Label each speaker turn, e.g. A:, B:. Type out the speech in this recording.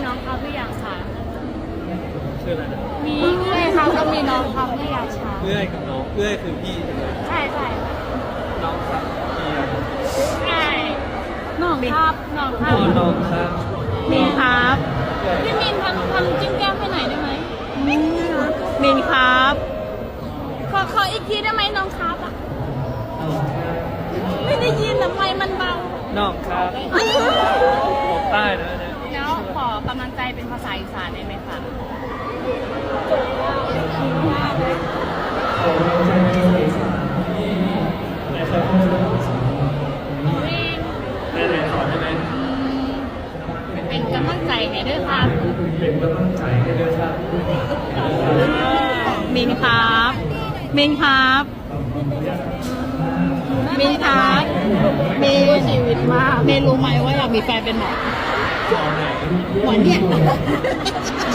A: น้องครับหรือยังคะ
B: ชื่ออะไรนะ
A: มีเอื้อยครับก็มีน้องครับหรือยังคะ
B: เอื้อยกับน้องเอื้อยคือพี่ใช่ไหม
A: ใช่ค่ะ
B: น้องครับพี่อะ
A: ใช่น้องครับน้องค
B: อ๋
A: รับ
B: อน้องครับ
A: มีครับ
B: เอื้อย
A: พี่มินทำจิ้มแก้มให้หน่อยได้ไหม
C: มินครับ
A: ขออีกทีได้ไหมน้องครับอ่ะ
B: น้องครับ
A: ไม่ได้ยินทำไมมันเบา
B: น้องครับบอกใต้นะเนี่ย
A: แล้วขอกำลังใจเป็นภาษาอีสานได้ไหมคะ
B: ไหนสอนได้ไหม
A: เป็นกำลังใจให้ด้วยครับ
B: เป็นกำลังใจให้ด้วยครับ
C: มินครับ มินครับ มินครับมินชีวิตมากมินรู้ไหมว่าอยากมีแฟนเป็นหมอ
B: สอนไหน
C: หมอเนี่ย